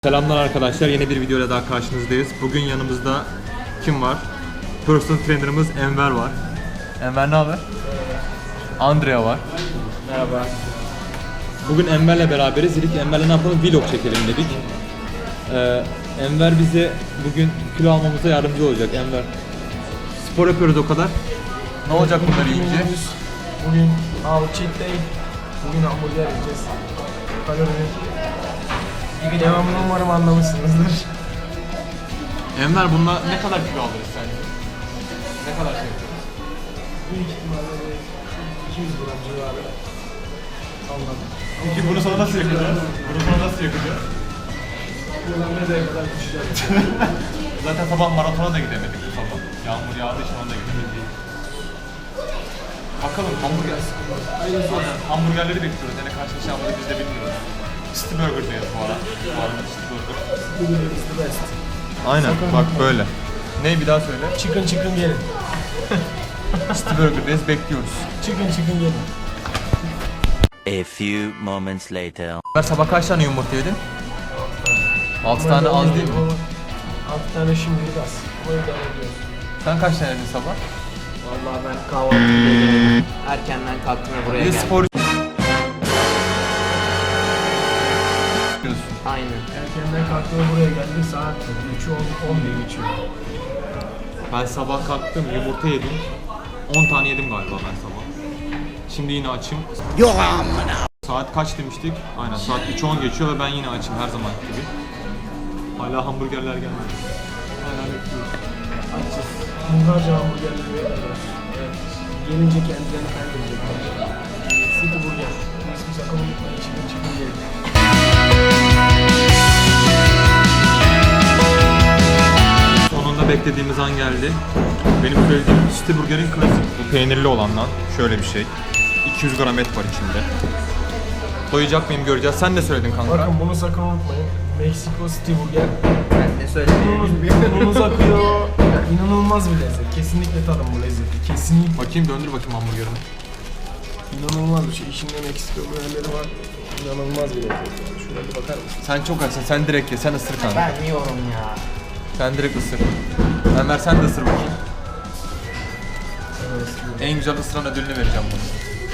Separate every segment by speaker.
Speaker 1: Selamlar arkadaşlar, yeni bir videoyla daha karşınızdayız. Bugün yanımızda kim var? Personal trainer'ımız Enver var. Enver ne haber? Andrea var.
Speaker 2: Merhaba.
Speaker 1: Bugün Enver'le beraberiz. Dedik Enver'le ne yapalım? Vlog çekelim dedik. Enver bize bugün kilo almamıza yardımcı olacak. Enver, spor yapıyoruz o kadar. Ne olacak bunları yiyince?
Speaker 2: Bugün cheat day. Bugün hamburger yiyeceğiz. Kalorinin devamını umarım anlamışsınızdır.
Speaker 1: Enver, bununla ne kadar kilo alırız sence? Ne kadar şey yapacağız?
Speaker 2: Büyük ihtimalle 200 gram civarı. Anladım.
Speaker 1: Peki bunu sana nasıl yakacağız? Bunu sana nasıl yakacağız?
Speaker 2: Buradan nereye kadar düşeceğiz?
Speaker 1: Zaten sabah maratona da gidemedik bu sabah. Yağmur yağdığı için ona da gidemedik. Bakalım hamburger. Aynen. Hamburgerleri bekliyoruz. Yani karşılaşacağımızı biz de bilmiyoruz. City Burger'dayız bu arada. City Burger.
Speaker 2: Burger is the best.
Speaker 1: Aynen. Bak böyle. Ne bir daha söyle.
Speaker 2: Chicken gelin.
Speaker 1: City Burger'dayız, bekliyoruz.
Speaker 2: Chicken gelin.
Speaker 3: A few moments later.
Speaker 1: Ben sabah kaç tane yumurta yedin? 6 tane az değil mi?
Speaker 2: 6 tane şimdilik az. Ama idare ediyoruz.
Speaker 1: Sen kaç tane yedin sabah?
Speaker 4: Vallahi ben kahvaltıda gelemedim. Erkenden kalktım ve buraya
Speaker 1: Bir de
Speaker 4: geldim.
Speaker 1: spor
Speaker 2: Erkenden kalktım ve buraya geldik. Saat 3'ü 11 geçiyor.
Speaker 1: Ben sabah kalktım, yumurta yedim. 10 tane yedim galiba ben sabah. Şimdi yine açım. Yok amına. Saat kaç demiştik? Aynen saat 3:10 geçiyor ve ben yine açım her zaman gibi. Hala hamburgerler gelmedi. Hala bekliyoruz.
Speaker 2: Açız. Hungarca hamburgerleri bekliyoruz. Evet. Gelince kendilerini kaybedecekler. City Burger. İsmi sakın unutmayın. Chicken gelin.
Speaker 1: Sonunda beklediğimiz an geldi. Benim söylediğim City Burger'in klasik. Bu peynirli olandan. Şöyle bir şey. 200 gram et var içinde. Doyacak mıyım göreceğiz. Sen de söyledin kanka.
Speaker 2: Bakın bunu sakın unutmayın. Meksiko City Burger.
Speaker 4: Ben de söyledim.
Speaker 2: Ununuz akıyor. İnanılmaz bir lezzet. Kesinlikle tadın bu lezzeti. Kesinlikle.
Speaker 1: Bakayım, döndür bakayım hamburgerini.
Speaker 2: İnanılmaz bir şey. İçinde Meksiko burgerleri var. İnanılmaz bir lezzet. Şuraya bir bakar mısın?
Speaker 1: Sen çok açsın. Sen direkt ye. Sen ısır kanka.
Speaker 4: Ben yiyorum ya.
Speaker 1: Sen direkt ısır. Enver sen de ısır bakayım. En güzel ısıran ödülünü vereceğim bunu.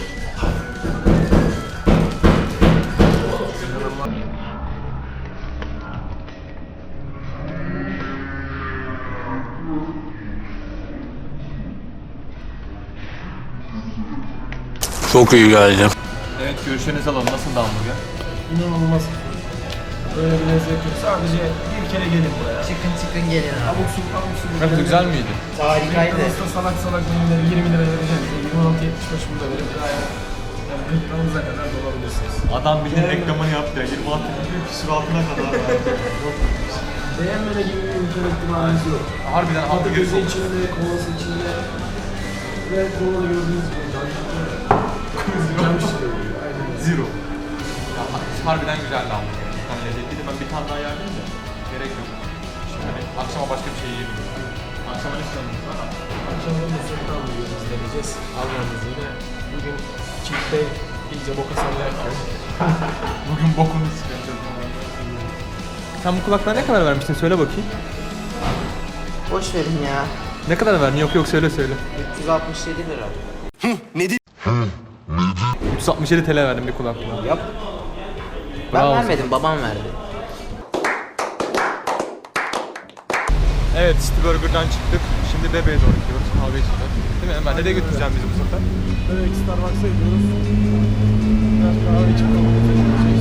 Speaker 3: Çok iyi geldi.
Speaker 1: Evet, görüşlerinizi alalım. Nasıl da hamburger?
Speaker 2: İnanılmaz. Böyle bir lezzet yok. Sadece bir kere gelin buraya.
Speaker 4: Çıkın gelin abi.
Speaker 2: Abuk subuk.
Speaker 1: Nasıl, güzel miydi?
Speaker 4: Harikaydı.
Speaker 2: McDonald's'ta salak menüleri 20 lira vereceğiz. 26.75 bunu da verip gayet yani gırtlağınıza kadar dolabilirsiniz.
Speaker 1: Adam bildiğin reklamını yaptı ya. 26 küsur altına kadar verdi.
Speaker 2: Beğenmeme gibi bir imkan ihtimaliniz yok.
Speaker 1: Harbiden hamburger
Speaker 2: Patates
Speaker 1: çok.
Speaker 2: içinde, kolası içinde ve kolada gördüğünüz gibi cam şişiyor. Aynen.
Speaker 1: Zero. Ya, harbiden güzeldi hamburger. Hani lezzetliydi. Ben bir tane daha yerdim de. Gerek yok. Şimdi hani akşama başka bir şey yiyebilirim. Akşama ne istiyorsunuz?
Speaker 2: Akşamda da sürekli hamburgerimizi deneyeceğiz. Almanız yine. Bugün cheat day iyice boka sallarken.
Speaker 1: Bugün bokunu çıkaracağız. Sen bu kulaklığa ne kadar vermiştin? Söyle bakayım.
Speaker 4: Boş verin ya.
Speaker 1: Ne kadar verdin? Yok söyle.
Speaker 4: 367 lira.
Speaker 1: 367 TL verdim bir kulaklığa.
Speaker 4: Yap. Ben
Speaker 1: Bravo.
Speaker 4: vermedim, babam verdi.
Speaker 1: Evet, City Burger'dan çıktık. Şimdi Bebe'ye doğru gidiyoruz. Kahve içeceğiz. Değil mi Enver? Nereye götüreceğim bizi bu sefer?
Speaker 2: Evet, Starbucks'a gidiyoruz. Biraz kahve içip kahve içeceğiz.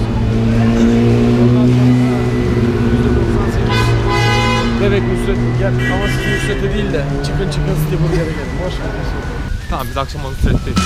Speaker 2: Bebek Nusret Burger ama siz Nusret'e değil de Chicken City Burger'e gelin. Boş verin.
Speaker 1: Tamam, biz akşam onu süretteyiz.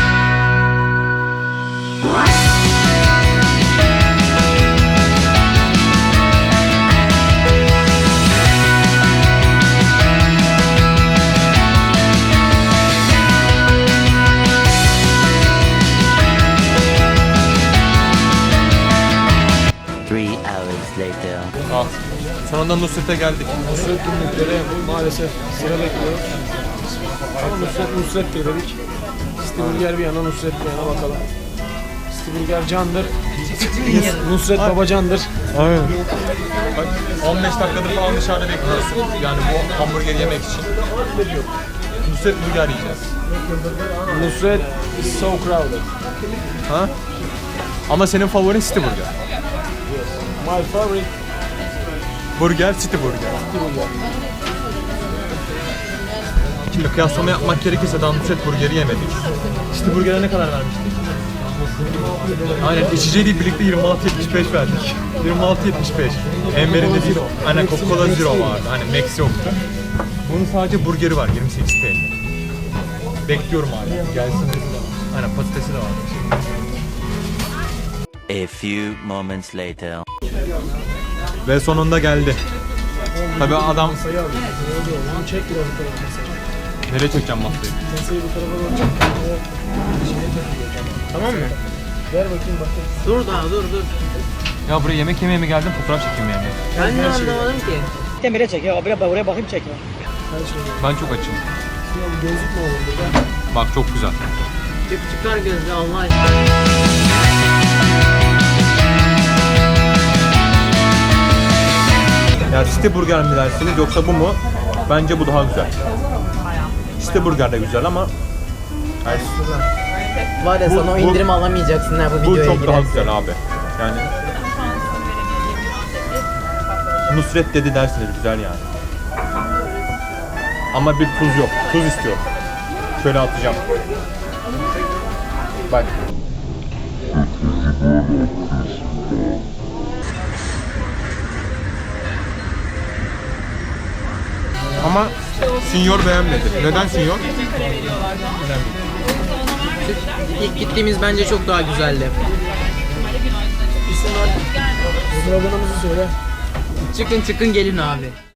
Speaker 3: Later.
Speaker 1: Ah, sonunda Nusret'e geldik.
Speaker 2: Nusret günlüklere maalesef sıra bekliyoruz. Ama Nusret dedik. City Burger bir yana, Nusret bir yana bakalım. City Burger candır. Nusret Babacan'dır.
Speaker 1: Aynen. Bak 15 dakikadır falan dışarıda bekliyorsun. Yani bu hamburger yemek için. Nusret burger yiyeceğiz.
Speaker 2: Nusret is so crowded.
Speaker 1: Ha? Ama senin favorin City Burger.
Speaker 2: My favorite
Speaker 1: Burger City Burger. Şimdi kıyaslama yapmak gerekirse daha Nusret Burger'i yemedik. City Burger'e ne kadar vermiştik? Aynen içeceğiyle birlikte 26.75 verdik. 26.75. Enver'in de zero. Aynen Coca-Cola Zero vardı. Hani Max yoktu. Bunun sadece burgeri var 28 TL. Bekliyorum hala. Gelsin dedi de. Aynen patatesi de var.
Speaker 3: A few moments later.
Speaker 1: Ve sonunda geldi. Tabii adam...
Speaker 2: sayı alıyor. Onu çek biraz bu tarafa mesela.
Speaker 1: Nereye çekeceğim masayı?
Speaker 2: Masayı bu tarafa doğru çek.
Speaker 4: Tamam mı?
Speaker 2: Ver bakayım bakayım.
Speaker 4: Dur daha dur.
Speaker 1: Ya buraya yemek yemeye mi geldim, fotoğraf çekeyim yani?
Speaker 4: Ben de anlamadım ki.
Speaker 5: Demire çek ya. Oraya bakayım çekme.
Speaker 2: Her şey var.
Speaker 1: Ben çok açım.
Speaker 2: Şimdi gözlük mü olur burada?
Speaker 1: Bak çok güzel.
Speaker 4: Çıkar gözle Allah aşkına.
Speaker 1: Ya City Burger mi dersiniz yoksa bu mu? Bence bu daha güzel. City Burger de güzel ama yani
Speaker 4: Var ya
Speaker 1: Bu-
Speaker 4: sana o
Speaker 1: bu-
Speaker 4: indirim alamayacaksın ha bu
Speaker 1: bu
Speaker 4: videoya
Speaker 1: çok daha
Speaker 4: girersen.
Speaker 1: güzel abi. Yani Nusret dedi dersiniz güzel yani. Ama bir tuz yok. Tuz istiyorum. Şöyle atacağım. Bak. Ama Sinyor beğenmedi. Neden Sinyor?
Speaker 4: İlk gittiğimiz bence çok daha güzeldi.
Speaker 2: İsim ver. Sloganımızı söyle.
Speaker 4: Çıkın gelin abi.